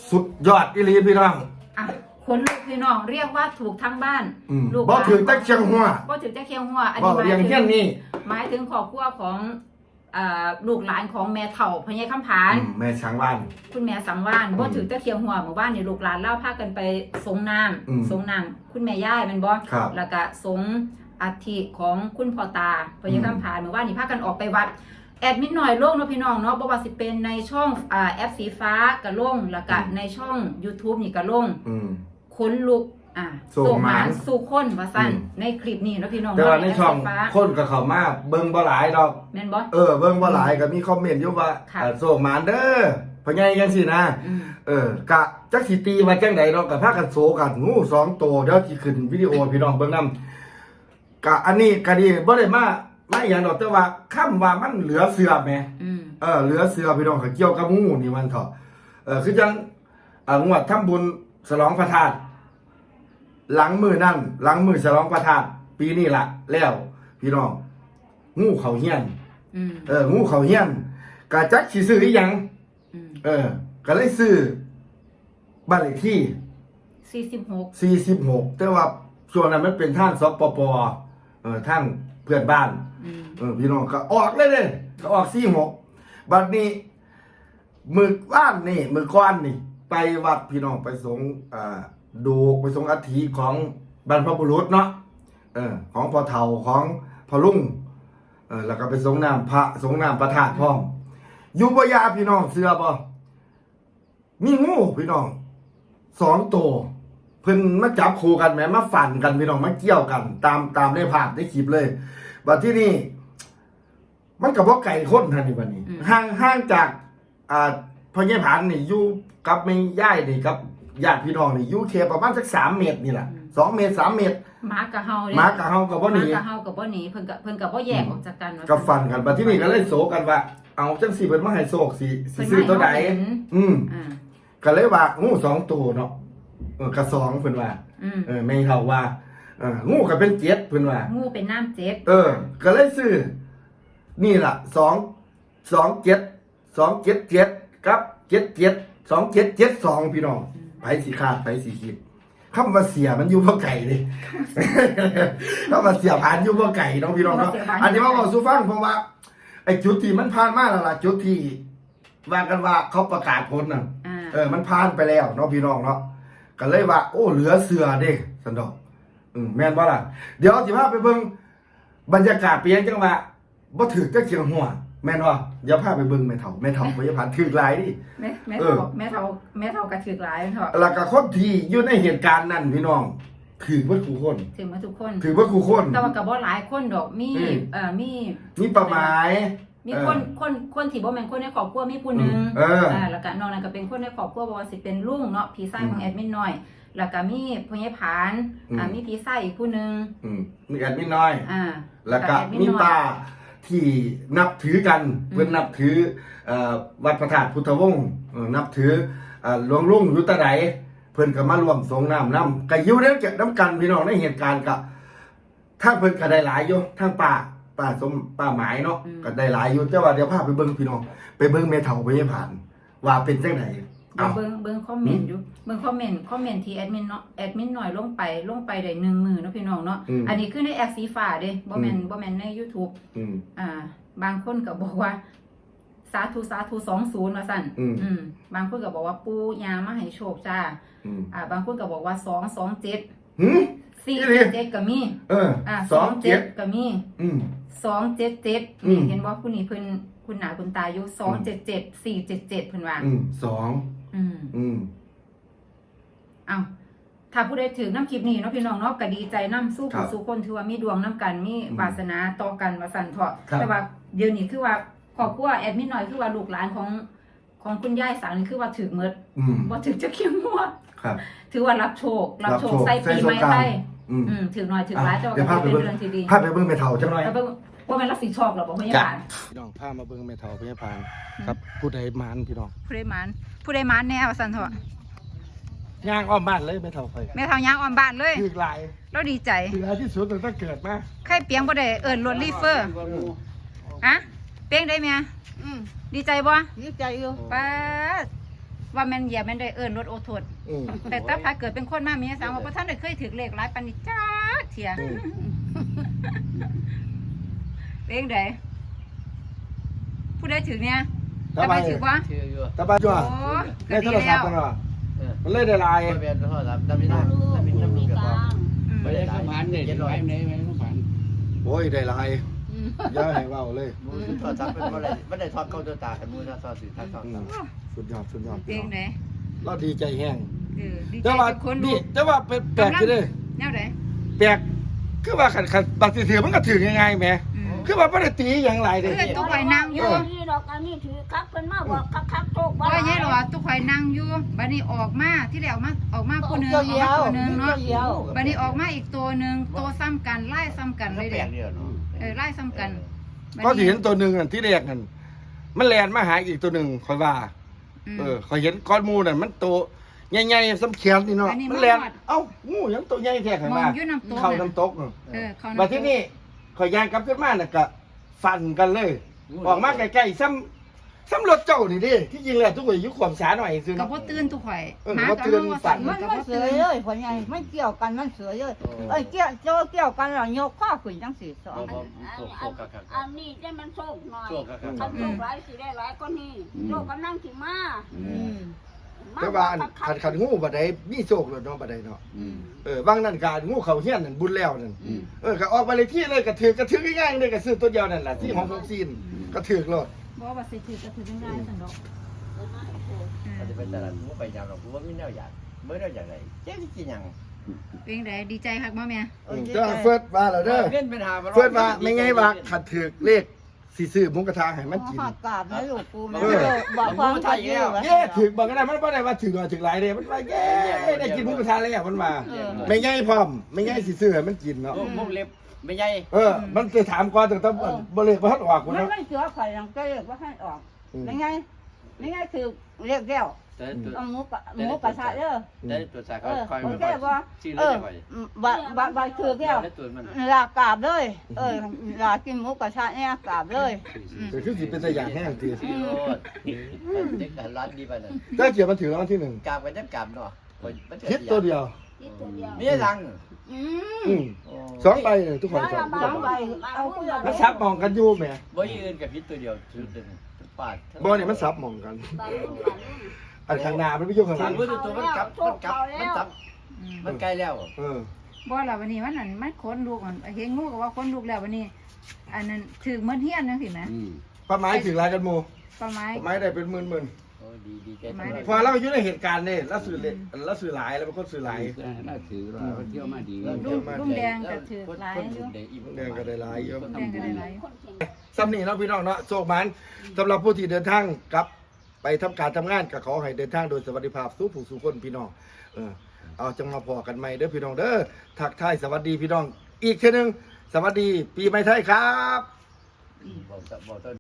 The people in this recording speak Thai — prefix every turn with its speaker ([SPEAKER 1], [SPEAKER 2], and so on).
[SPEAKER 1] สุดยอดอีหลีพี่น้อง
[SPEAKER 2] อ่ะคนลูกพี่น้องเรียกว่าถูกทั้งบ้านลูก
[SPEAKER 1] บ่ถือตะเคียงหัว
[SPEAKER 2] บ่ถือตะเคียงหัวอัน
[SPEAKER 1] บ่
[SPEAKER 2] นี้
[SPEAKER 1] เรียงเฮี้ยนนี่
[SPEAKER 2] หมายถึงครอบครัวของลูกหลานของแม่เฒ่าพญาคำผาน
[SPEAKER 1] แม่ช้างบ้าน
[SPEAKER 2] คุณแม่สังวานบ่ถือตะเคียงหัวหมู่บ้านนี่ลูกหลานเล่าพากันไปสงน้ำสงน้ำคุณแม่ย่ายแม่นบ่แล้วก็สงอัฐิของคุณพ่อตาพญาคำผานหมู่บ้านนี่พากันออกไปวัดแอดมิดหน่อยลงเนาะพี่น้องเนาะบ่ว่าสิเป็นในช่องแอปสีฟ้าก็ลงแล้วก็ในช่อง YouTube นี่ก็ลงคนลุกส่งมาสู่คนว่าซั่นในคลิปนี้เนาะพี่น้อง
[SPEAKER 1] แต่ว่าในช่องคนก็เข้ามาเบิ่งบ่หลายดอก
[SPEAKER 2] แม่นบ่
[SPEAKER 1] เบิ่งบ่หลายก็มีคอมเมนต์อยู่ว่าส่งมาเด้อพ่อใหญ่จังซี่นะกะจักสิตีว่าจังได๋ดอกก็พากันโซกันงู2ตัวเดี๋ยวสิขึ้นวิดีโอพี่น้องเบิ่งนำกะอันนี้ก็ดีบ่ได้มาอย่างดอกแต่ว่าคำว่ามันเหลือเสือแหมเหลือเสือพี่น้องก็เกี่ยวกับงูนี่มันเถาะคือจังงวดทำบุญฉลองพระธาตุหลังมือฉลองพระธาตุปีนี้ล่ะแล้วพี่น้องงูเขาเฮี้ยนงูเขาเฮี้ยนกะจักสิซื้ออีหยังก็เลยซื้อบ้านเลขที่46แต่ว่าช่วงนั้นมันเป็นทางสปปทางเพื่อนบ้านพี่น้องก็ออกเลยก็ออก46บัดนี้มือก้อนนี่ไปวัดพี่น้องไปสงดูไปสงอัฐิของบรรพบุรุษเนาะของพ่อเฒ่าของพ่อลุงแล้วก็ไปสงน้ำพระสงน้ำประธาตุพร้อมอยู่บ่ยาพี่น้องเสือบ่มีงูพี่น้อง2ตัวเพิ่นมาจับคู่กันแหมมาฝันกันพี่น้องมาเกี่ยวกันตามในภาพในคลิปเลยบัดที่นี่มันก็บ่ไกลคนท่านนี่บัดนี้ห่างจากพ่อใหญ่ผานนี่อยู่กับแม่ย่ายนี่กับญาติพี่น้องนี่อยู่แค่ประมาณสัก3เมตรนี่แหละ2เมตร3เมตร
[SPEAKER 2] หมากับเฮา
[SPEAKER 1] ก็บ่หนี
[SPEAKER 2] เพิ่นก็บ่แยกออกจากกัน
[SPEAKER 1] ก็ฟันกันบัดที่นี่ก็เลยโศกันว่าเอาจังสิเพิ่นมาให้โศกสิซื้อตัวใดก็เลยว่างู2ตัวเนาะก็2เพิ่นว่าแม่เฒ่าว่างูก็เป็น7เพิ่นว่า
[SPEAKER 2] งูเป็นน้ำ7
[SPEAKER 1] ก็เลยซื้อนี่ล่ะ227กับ77 2772พี่น้องไผสิคาดไผสิคิดคำว่าเสียมันอยู่บ่ไกลเด้คำว่าเสียผ่านอยู่บ่ไกลน้องพี่น้องเนาะอันนี้มาบอกสู่ฟังเพราะว่าไอ้จุดที่มันผ่านมาแล้วล่ะจุดที่ว่ากันว่าเขาประกาศผลน่ะมันผ่านไปแล้วเนาะพี่น้องเนาะก็เลยว่าโอ้เหลือเสือเด้สันดอกแม่นบ่ล่ะเดี๋ยวสิพาไปเบิ่งบรรยากาศเปลี่ยนจังว่าบ่ถือจักเจียงหัวแม่นว่าเดี๋ยวพาไปเบิ่งแม่เฒ่าบ่อย่าผ่านถือหลายดิ
[SPEAKER 2] แม่เฒ่าก็ถือหลายเถาะ
[SPEAKER 1] แล้วก็คนที่อยู่ในเหตุการณ์นั้นพี่น้องถือว่าทุกคน
[SPEAKER 2] ถือว่าทุกคนแต่ว่าก็บ่หลายคนดอก
[SPEAKER 1] มีประหมาย
[SPEAKER 2] มีคนที่บ่แม่นคนในครอบครัวมีผู้นึงแล้วก็นอกนั้นก็เป็นคนในครอบครัวบ่ว่าสิเป็นลุงเนาะพี่ชายของแอดมินน้อยแล้วก็มีพ่อใหญ่ผานมีพี่ชายอีกผู้นึง
[SPEAKER 1] มีแอดมินน้อยแล้วก็มีป้าที่นับถือกันเพิ่นนับถือวัดพระธาตุพุทธวงศ์นับถือหลวงลุงอยู่ตะไดเพิ่นก็มาร่วมสงน้ำก็อยู่น้ำกันพี่น้องในเหตุการณ์ก็ทางเพิ่นก็ได้หลายอยู่ทางป้าหมายเนาะก็ได้หลายอยู่แต่ว่าเดี๋ยวพาไปเบิ่งพี่น้องไปเบิ่งแม่เฒ่าไปให้ผ่านว่าเป็นจังได๋
[SPEAKER 2] เบิ่งคอมเมนต์อยู่เบิ่งคอมเมนต์ที่แอดมินหน่อยลงไปได้1 มื้อเนาะพี่น้องเนาะอันนี้คือในแอปสีฟ้าเด้บ่แม่นใน YouTube บางคนก็บอกว่าสาธุ20ว่าซั่นบางคนก็บอกว่าปู่ย่ามาให้โชคจ้าบางคนก็บอกว่า227 477ก็มี27ก็มี277นี่เห็นบ่ผู้นี้เพิ่นคุณหนาคุณตาอยู่277 477เพิ่นว่าเอาถ้าผู้ใดถือน้ำคลิปนี้เนาะพี่น้องเนาะก็ดีใจน้ำสู้คนถือว่ามีดวงน้ำกันมีวาสนาต่อกันว่าสั่นเถาะแต่ว่าเดี๋ยวนี้คือว่าครอบครัวแอดมินน้อยคือว่าลูกหลานของคุณยายสังนี่คือว่าถือเมิดบ่ถือจะเขี้ยวหัวถือว่ารับโชคใส่ปีใหม่ไทยถือหน่อยถือหลายแต่ว่าเป็นเรื่องที่ดี
[SPEAKER 1] พาไปเบิ่งแม่เฒ่าจังหน่อย
[SPEAKER 2] ว่าแม่นรับสิชอบหรอบ่พยาบาล
[SPEAKER 1] พี่น้องพามาเบิ่งแม่เฒ่าพยาบาลครับผู้ใดมานพี่น้อง
[SPEAKER 2] ผู้ใดมานแน่ว่าซั่นเถาะ
[SPEAKER 1] ย่างอ้อมบ้านเลยแม่เฒ่าไป
[SPEAKER 2] แม่เฒ่าย่างอ้อมบ้านเลย
[SPEAKER 1] ถือหลาย
[SPEAKER 2] แล้วดีใจ
[SPEAKER 1] ถือหลายที่สุดตั้งแต่เกิดมา
[SPEAKER 2] ใครเปียงบ่ได้เอิ้นรถรีเฟอร์เปียงได้แม่ดีใจบ่
[SPEAKER 3] ดีใจอยู่
[SPEAKER 2] ป้าว่าแม่นเหยียบแม่นได้เอิ้นรถโอโทษ
[SPEAKER 1] อืม
[SPEAKER 2] แต่ถ้าพาเกิดเป็นคนมามีสังว่าบ่ทันได้เคยถือเลขหลายปานนี้จ้าเถีย
[SPEAKER 1] อืม
[SPEAKER 2] เลขใดผู้ใดถือเนี่ย
[SPEAKER 1] ทำไม
[SPEAKER 2] ถือบ่
[SPEAKER 3] ชื่ออยู่
[SPEAKER 1] ตาบ้าจ้ะ
[SPEAKER 2] โอ้
[SPEAKER 1] ใน
[SPEAKER 2] ก็
[SPEAKER 1] โท
[SPEAKER 2] ดี
[SPEAKER 1] รศัพ
[SPEAKER 2] แล้ว
[SPEAKER 1] ท์มันว่ะ
[SPEAKER 3] เออ
[SPEAKER 1] มันเลยได้ลาย
[SPEAKER 3] ไม่เป็นโทษครับดำไม่ได้ดำไม่ดำไม่กับว่า
[SPEAKER 2] อืม
[SPEAKER 3] ไม่ได้หลาย
[SPEAKER 4] ผ่านเนี่ย
[SPEAKER 3] เจ็ดร้อย
[SPEAKER 4] ไหนไหนผ่าน
[SPEAKER 1] โอ้ยได้ลายอย่าให้เว้าเลย
[SPEAKER 3] มูโทษครับเป็นไม่ได้ทอดเข้าตัวตากันมูถ้าทอดสื่อถ้าทอด
[SPEAKER 1] อืมสุดยอดสุดยอด
[SPEAKER 2] เลขใด
[SPEAKER 1] เราดีใจแห้ง
[SPEAKER 2] ดีใจ
[SPEAKER 1] แต่ว่า
[SPEAKER 2] ทุกคน
[SPEAKER 1] นี่แต่ว่าเป็นแปลกอยู่เด้
[SPEAKER 2] แนวใด
[SPEAKER 1] แปลกคือว่าคันบัตรถือมันก็ถือง่ายๆแหม
[SPEAKER 2] อืม
[SPEAKER 1] คือว่าบ่ได้ตีอย่างไรเด้
[SPEAKER 2] เพื่อนตู้ข่อยนั่งอยู่
[SPEAKER 5] นี่ดอกอันนี้ถือคักเพิ่นมาบอกคักๆโตก
[SPEAKER 2] ว่าไงหรอตู้ข่อยนั่งอยู่บัดนี้ออกมาที่แล้วออกมาผู้หนึงออกมาตัวหนึงเนาะบัดนี้ออกมาอีกตัวหนึงตัวซ้ำกันไล่ซ้ำกัน
[SPEAKER 3] แล้
[SPEAKER 2] เล
[SPEAKER 3] วย แปล
[SPEAKER 2] เด้
[SPEAKER 3] กเดียวเนาะ
[SPEAKER 2] ไล่ซ้ำกัน
[SPEAKER 1] ก็สิเห็นตัวหนึงอันที่แรกนั่นมันแล่นมาหาอีกตัวหนึงค่อยว่า ค่อยเห็นก้อนหมูนั่นมันโตใหญ่ๆซ้ำแขนนี่เนาะมันแล่นเอ้างูยังตัวใหญ่แท้ข้าง
[SPEAKER 2] ม
[SPEAKER 1] ห
[SPEAKER 2] อง
[SPEAKER 1] น้า
[SPEAKER 2] อยู่น้ำตก
[SPEAKER 1] เข้าน้ำตกเนาะ
[SPEAKER 2] เขา
[SPEAKER 1] บัดที่นี่ข่อยย่างกลับขึ้นมาน่ะก็ฟันกันเลย ออกมาใกล้ๆซ้ำรถเจ้านี่ดิที่จริงแล้วทุกคนอยู่ความสาหน่อยซื่อ
[SPEAKER 2] ก็
[SPEAKER 1] เนาะ
[SPEAKER 2] บ่ตื่นตู้ข่อย
[SPEAKER 1] บ่ตื่นสั่น
[SPEAKER 5] มันไม่เสือเลยพ่อใหญ่ไม่เกี่ยวกันมันเสือเลยเกี่ยวกันแล้วยกข้อขึ้นจังสี่สอง
[SPEAKER 3] อันนี้ได้มันโชคหน่อยคันโชคหลายสิได้หลายก็นี่โชคกำลังสิมา
[SPEAKER 1] แต่ว่าขันงูบัดใดมีโชคแล้วเนาะบัดใดเนาะบางนั่นการงูเขาเฮียนนั่นบุญแล้วนั่นก็ออกไปเลยที่เลยก็ถือง่ายๆเลยก็ซื้อตัวเดียวนั่นแหละที่ของผมซีนก็ถือโลด
[SPEAKER 2] บ่ว่าสิถือก็ถือได้ซั่นดอก
[SPEAKER 3] อาจจะเป็นตลาดกูไปยาวหรอกกูว่าไม่แนวอยากไม่แนวอยากไรเจ๊กินยัง
[SPEAKER 2] เป็นไดดีใจคักบ่แม่
[SPEAKER 1] เจ้าเฟิร์สว่าแล้วเด้อ
[SPEAKER 3] เล่นเป็นหา
[SPEAKER 1] เฟิร์สว่าไม่ไงว่าขัดถือเลขสิซื้อหมุกระทะให้มันกิน
[SPEAKER 5] หักกาบนะลูกกูมันบอกความไทยแล้ว
[SPEAKER 1] เย้ถือบอกก็ได้มันบ่ได้ว่าถือหน่อยถือหลายเด้มันว่าเย้ได้กินหมุกระทะแล้วมันว่าไม่ไงพร้อมไม่ไงสิซื้อให้มันกินเนาะ
[SPEAKER 3] มุกเล็บไม่ใหญ่
[SPEAKER 1] มันจะถามก่อนแต่ต้องบ่เลยบ่ทันออกกู
[SPEAKER 5] มัน
[SPEAKER 1] เนาะ
[SPEAKER 5] ไม่เสือไข่ยังก็เรียกว่าให้ออกไม่ไงคือเรียกแก้ว
[SPEAKER 3] แต่ตัว
[SPEAKER 5] เอาหมูกระทะเด้อ
[SPEAKER 3] แต่ตัวสายเขาคอย
[SPEAKER 5] โอ
[SPEAKER 3] มัน
[SPEAKER 5] เคบ่
[SPEAKER 3] ชื่อเล่นไป
[SPEAKER 5] บาคือแก้ว
[SPEAKER 3] แล้วตัวมัน
[SPEAKER 5] ลากาบเลยลากินหมูกระทะเนี่ยกาบเลย
[SPEAKER 1] แต่คือสิเป็นตัวอย่างแห้งที
[SPEAKER 3] ชื่อโลดเด็กร้านดีไปเลย
[SPEAKER 1] ถ้าเกี่ยวมันถือรางวัลที่1
[SPEAKER 3] กาบกันจะกาบเนาะ
[SPEAKER 1] คิดตัวเดียว
[SPEAKER 3] มีรัง
[SPEAKER 1] สองใบเลยทุกคนสอง
[SPEAKER 5] สองใบเอาเพื่อ
[SPEAKER 1] มันซับมองกันอยู่แหม
[SPEAKER 3] บ่ยืนกับพิษตัวเดียวถือดึงปาด
[SPEAKER 1] บ่นี่มันซับมองกัน อันข้างหน้ามันไม่อยู่ข้างห
[SPEAKER 3] ทา
[SPEAKER 1] ลั
[SPEAKER 3] ง
[SPEAKER 1] ง
[SPEAKER 3] มือตัวมันกลับมันใกล้แล้ว
[SPEAKER 2] บ่ล่ะวันนี้วันนั้นมันขนลูกมันเห็นงูก็ว่าขนลูกแล้ววันนี้ อันนั้นถือเหมือนเฮียนจังซี่แหม
[SPEAKER 1] ป้าไม้ถึงลายกันหมู่
[SPEAKER 2] ประมาณ
[SPEAKER 1] ป้าไม้ได้เป็นหมื่น
[SPEAKER 3] โอ้ดีใจ
[SPEAKER 1] ๆพอเราอยู่ในเหตุการณ์นี่แล้วสื่อหลายแล้วเป็นคนสื่อหลาย
[SPEAKER 4] น่าถือว่าเที่ยวมาดี
[SPEAKER 2] ลุงแดงก็ถือหลายอยู่
[SPEAKER 1] แดงก็ได้หลายเยอะ
[SPEAKER 2] ลุงแดงก็ได้หลาย
[SPEAKER 1] ซ้ำนี่เนาะพี่น้องเนาะโชคมันสำหรับผู้ที่เดินทางกลับ ไปทำการทำงานก็ขอให้เดินทางโดยสวัสดิภาพสู้ผู้สู้คนพี่น้องเอาจังมาพอกันใหม่เด้อพี่น้องเด้อทักทายสวัสดีพี่น้องอีกเทื่อนึงสวัสดีปีใหม่ไทยครับ
[SPEAKER 3] บอก